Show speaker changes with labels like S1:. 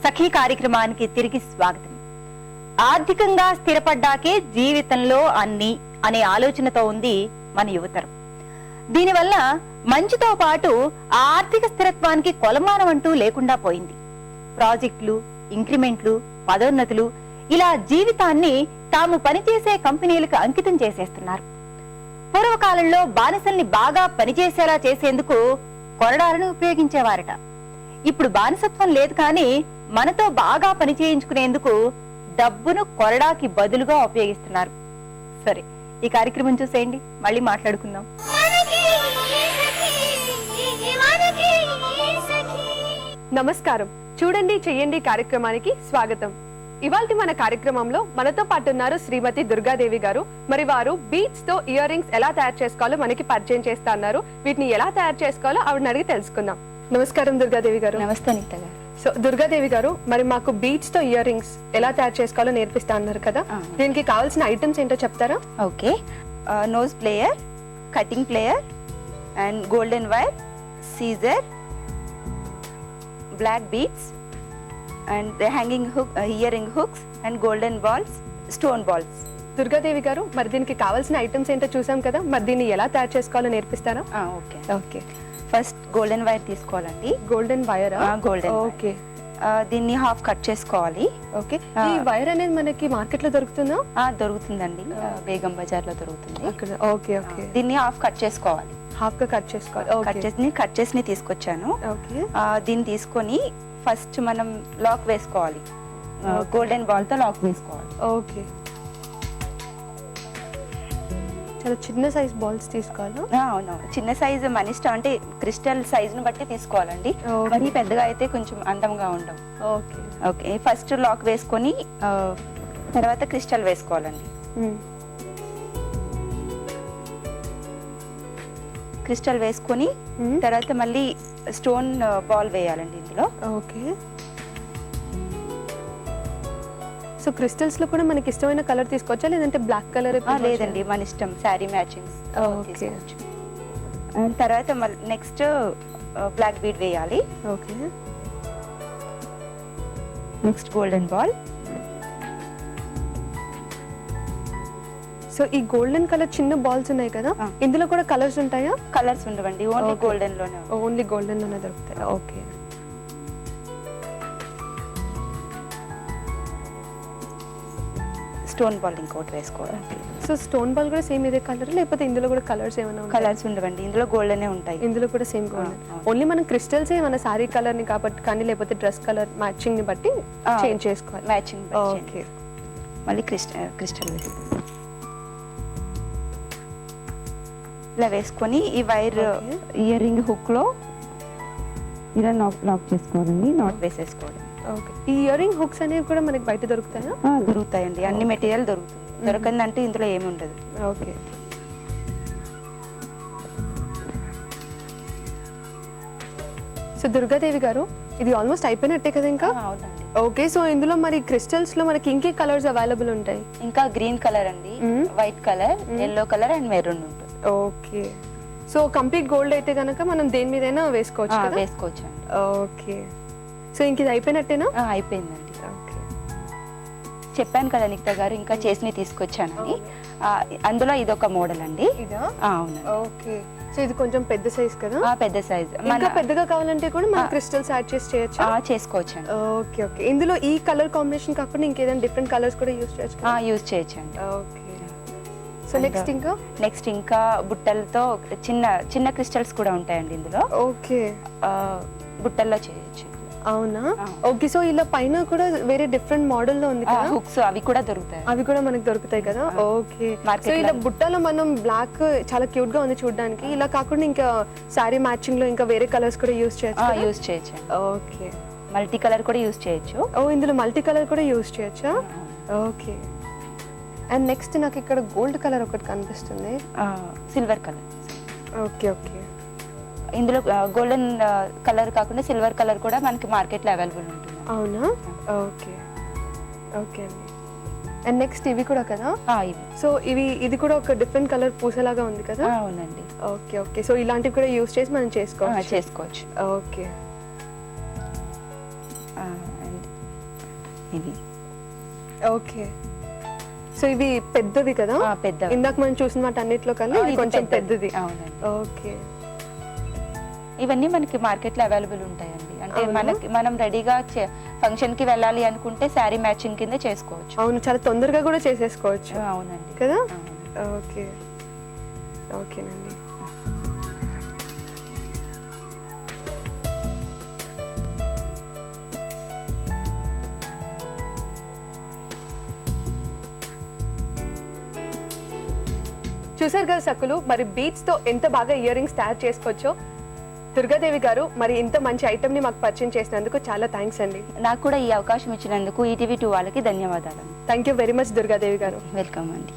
S1: సఖీ కార్యక్రమానికి తిరిగి స్వాగతం. ఆర్థికంగా స్థిరపడ్డాకే జీవితంలో అన్ని అనే ఆలోచనతో ఉంది మన యువతరం. దీనివల్ల మంచితో పాటు ఆర్థిక స్థిరత్వానికి కొలమానం అంటూ లేకుండా పోయింది. ప్రాజెక్టులు, ఇంక్రిమెంట్లు, పదోన్నతులు ఇలా జీవితాన్ని తాము పనిచేసే కంపెనీలకు అంకితం చేసేస్తున్నారు. పూర్వకాలంలో బానిసల్ని బాగా పనిచేసేలా చేసేందుకు కొరడాలను ఉపయోగించేవారట. ఇప్పుడు బానిసత్వం లేదు, కానీ మనతో బాగా పని చేయించుకునేందుకు డబ్బును కొరడాకి బదులుగా ఉపయోగిస్తున్నారు. సరే, ఈ కార్యక్రమం చూసేయండి, మళ్ళీ మాట్లాడుకుందాం.
S2: నమస్కారం. చూడండి చెయ్యండి కార్యక్రమానికి స్వాగతం. ఇవాల్టి మన కార్యక్రమంలో మనతో పాటు ఉన్నారు శ్రీమతి దుర్గాదేవి గారు. మరి వారు బీడ్స్ తో ఇయర్ రింగ్స్ ఎలా తయారు చేసుకోవాలో మనకి పరిచయం చేస్తా అన్నారు. వీటిని ఎలా తయారు చేసుకోవాలో ఆవిడని అడిగి తెలుసుకుందాం. నమస్కారం దుర్గాదేవి గారు.
S1: నమస్తే నిత్య గారు.
S2: సో దుర్గాదేవి గారు, మరి మాకు బీడ్స్ తో ఇయర్ రింగ్స్ ఎలా తయారు చేసుకోవాలో నేర్పిస్తా అన్నారు కదా, దీనికి కావాల్సిన ఐటమ్స్ ఏంటో చెప్తారా?
S1: Okay, nose plier, cutting plier and golden wire, scissor, black beads and hanging hook, earring hooks and golden balls, stone balls.
S2: Durgadevi గారు, మరి దీనికి కావాల్సిన ఐటమ్స్ ఏంటో చూసాం కదా, మరి దీన్ని ఎలా తయారు చేసుకోవాలో నేర్పిస్తారా?
S1: Okay okay. First golden wire తీసుకోవాలండి.
S2: Golden wire?
S1: గోల్డెన్. ఓకే, దీన్ని హాఫ్ కట్ చేసుకోవాలి.
S2: ఓకే, ఈ వైర్ అనేది మనకి మార్కెట్ లో దొరుకుతుందా?
S1: దొరుకుతుందండి, బేగం బజార్ లో దొరుకుతుంది.
S2: Okay okay.
S1: దీన్ని హాఫ్ కట్ చేసుకోవాలి.
S2: హాఫ్ గా కట్ చేసుకోవాలి.
S1: కట్ చేసి తీసుకొచ్చాను.
S2: ఓకే,
S1: దీన్ని తీసుకొని ఫస్ట్ మనం లాక్ వేసుకోవాలి. గోల్డెన్ బాల్ తో లాక్ వేసుకోవాలి.
S2: ఓకే, చాలా చిన్న సైజ్ బాల్స్ తీసుకోవాలి.
S1: అవును, చిన్న సైజు మన ఇష్టం, అంటే క్రిస్టల్ సైజును బట్టి తీసుకోవాలండి. మరి పెద్దగా అయితే కొంచెం అందంగా ఉండవు.
S2: ఓకే
S1: ఓకే, ఫస్ట్ లాక్ వేసుకొని తర్వాత క్రిస్టల్ వేసుకోవాలండి. క్రిస్టల్ వేసుకొని తర్వాత మళ్ళీ స్టోన్ బాల్ వేయాలండి ఇందులో.
S2: ఓకే, సో క్రిస్టల్స్ లో కూడా మనకి ఇష్టమైన కలర్ తీసుకోవచ్చా, లేదంటే బ్లాక్ కలర్?
S1: లేదండి, మన ఇష్టం, శారీ మ్యాచింగ్ తీసుకోవచ్చు. తర్వాత నెక్స్ట్ బ్లాక్ బీడ్ వేయాలి.
S2: Okay,
S1: next golden ball.
S2: So ఈ గోల్డెన్ కలర్ చిన్న బాల్స్ ఉన్నాయి కదా, ఇందులో కూడా కలర్స్ ఉంటాయా?
S1: కలర్స్ ఉండవండి, ఓన్లీ గోల్డెన్ లోనే.
S2: ఓన్లీ గోల్డెన్ లోనే దొరుకుతాయి. ఓకే,
S1: స్టోన్ బాల్ ఇంకోటి వేసుకోవాలి.
S2: సో స్టోన్ బాల్ కూడా సేమ్ ఇదే కలర్, లేకపోతే ఇందులో కూడా కలర్స్ ఏమైనా?
S1: కలర్స్ ఉండవండి, ఇందులో గోల్డెన్ ఉంటాయి.
S2: ఇందులో కూడా సేమ్ గోల్డెన్. ఓన్లీ మనం క్రిస్టల్స్ మన సారీ కలర్ ని కాబట్టి, కానీ లేకపోతే డ్రెస్ కలర్ మ్యాచింగ్ ని బట్టి చేంజ్ చేసుకోవాలి.
S1: మ్యాచింగ్.
S2: ఓకే,
S1: మళ్ళీ క్రిస్టల్ వేసుకోవాలి. ఇలా వేసుకొని ఈ వైర్ ఇయర్ రింగ్ హుక్ లో ఇలా లాక్ చేసుకోవాలండి, నాట్ వేసేసుకోవాలి.
S2: ఓకే, ఈ ఇయర్ రింగ్ హుక్స్ అనేవి కూడా మనకి బయట దొరుకుతాయా?
S1: దొరుకుతాయండి, అన్ని మెటీరియల్ దొరుకుతుంది. దొరకందంటే ఇందులో ఏమి ఉండదు.
S2: ఓకే, సో దుర్గాదేవి గారు, ఇది ఆల్మోస్ట్ అయిపోయినట్టే కదా ఇంకా?
S1: అవునండి.
S2: ఓకే, సో ఇందులో మరి క్రిస్టల్స్ లో మనకి ఇంకే కలర్స్ అవైలబుల్ ఉంటాయి?
S1: ఇంకా గ్రీన్ కలర్ అండి, white colour, yellow colour and maroon ఉంటుంది.
S2: ఓకే, సో కంప్లీట్ గోల్డ్ అయితే గనక మనం దేని మీదైనా వేసుకోవచ్చు కదా?
S1: వేసుకోవచ్చు అండి.
S2: ఓకే, సో ఇంక ఇది అయిపోయినట్టేనా?
S1: అయిపోయిందండి.
S2: ఓకే,
S1: చెప్పాను కదా నిక్త గారు, ఇంకా చేసి తీసుకొచ్చానని. అందులో ఇదొక మోడల్ అండి.
S2: ఇదా?
S1: అవును.
S2: ఓకే, సో ఇది కొంచెం పెద్ద సైజ్ కదా?
S1: పెద్ద సైజ్.
S2: ఇంకా పెద్దగా కావాలంటే కూడా మనం క్రిస్టల్స్ యాడ్ చేసి చేయొచ్చు?
S1: చేసుకోవచ్చు.
S2: ఓకే ఓకే, ఇందులో ఈ కలర్ కాంబినేషన్ కాకుండా ఇంకేదైనా డిఫరెంట్ కలర్స్ కూడా యూస్ చేయొచ్చు?
S1: యూస్ చేయొచ్చండి.
S2: ఓకే, సో నెక్స్ట్
S1: ఇంకా బుట్టలతో చిన్న చిన్న క్రిస్టల్స్ కూడా ఉంటాయండి ఇందులో.
S2: ఓకే,
S1: బుట్టల్లో చేయొచ్చు.
S2: అవునా? ఓకే, సో ఇలా పైన కూడా వేరే డిఫరెంట్ మోడల్ లో ఉంది కదా
S1: హుక్స్, అవి కూడా దొరుకుతాయి.
S2: అవి కూడా మనకు దొరుకుతాయి కదా? ఓకే, సో ఇలా బుట్టలో మనం బ్లాక్ చాలా క్యూట్ గా ఉంది చూడడానికి. ఇలా కాకుండా ఇంకా సారీ మ్యాచింగ్ లో ఇంకా వేరే కలర్స్ కూడా యూస్ చేయొచ్చు? ఓకే,
S1: మల్టీ కలర్ కూడా యూస్ చేయొచ్చు.
S2: ఇందులో మల్టీ కలర్ కూడా యూస్ చేయొచ్చా? ఓకే, అండ్ నెక్స్ట్ నాకు ఇక్కడ గోల్డ్ కలర్ ఒకటి కనిపిస్తుంది.
S1: Silver colour.
S2: ఓకే ఓకే,
S1: ఇందులో గోల్డెన్ కలర్ కాకుండా సిల్వర్ కలర్ కూడా మనకి మార్కెట్ లో అవైలబుల్ ఉంటుంది.
S2: అవునా? ఓకే ఓకే అండి. అండ్ నెక్స్ట్ ఇవి కూడా కదా? సో ఇది కూడా ఒక డిఫరెంట్ కలర్ పూసలాగా ఉంది కదా?
S1: అవునండి.
S2: ఓకే ఓకే, సో ఇలాంటివి కూడా యూస్ చేసి మనం చేసుకోవచ్చు.
S1: ఓకే, ఇవి
S2: ఓకే, సో ఇవి పెద్దవి కదా?
S1: పెద్దవి.
S2: ఇందాక మనం చూసిన వాటి అన్నిట్లో కన్నా ఇది కొంచెం పెద్దది.
S1: అవునండి.
S2: ఓకే,
S1: ఇవన్నీ మనకి మార్కెట్ లో అవైలబుల్ ఉంటాయండి. అంటే మనం రెడీగా ఫంక్షన్ కి వెళ్ళాలి అనుకుంటే శారీ మ్యాచింగ్ కింద చేసుకోవచ్చు.
S2: అవును, చాలా తొందరగా కూడా చేసేసుకోవచ్చు.
S1: అవునండి
S2: కదా? ఓకే, ఓకేనండి. చూసారు కదా సక్కులు, మరి బీట్స్ తో ఎంత బాగా ఇయర్ రింగ్స్ తయారు చేసుకోవచ్చో. దుర్గాదేవి గారు, మరి ఇంత మంచి ఐటమ్ ని మాకు పరిచయం చేసినందుకు చాలా థ్యాంక్స్ అండి.
S1: నాకు కూడా ఈ అవకాశం ఇచ్చినందుకు ఈటీవీ 2 వాళ్ళకి ధన్యవాదాలు.
S2: Thank you very much Durgadevi గారు.
S1: వెల్కమ్ అండి.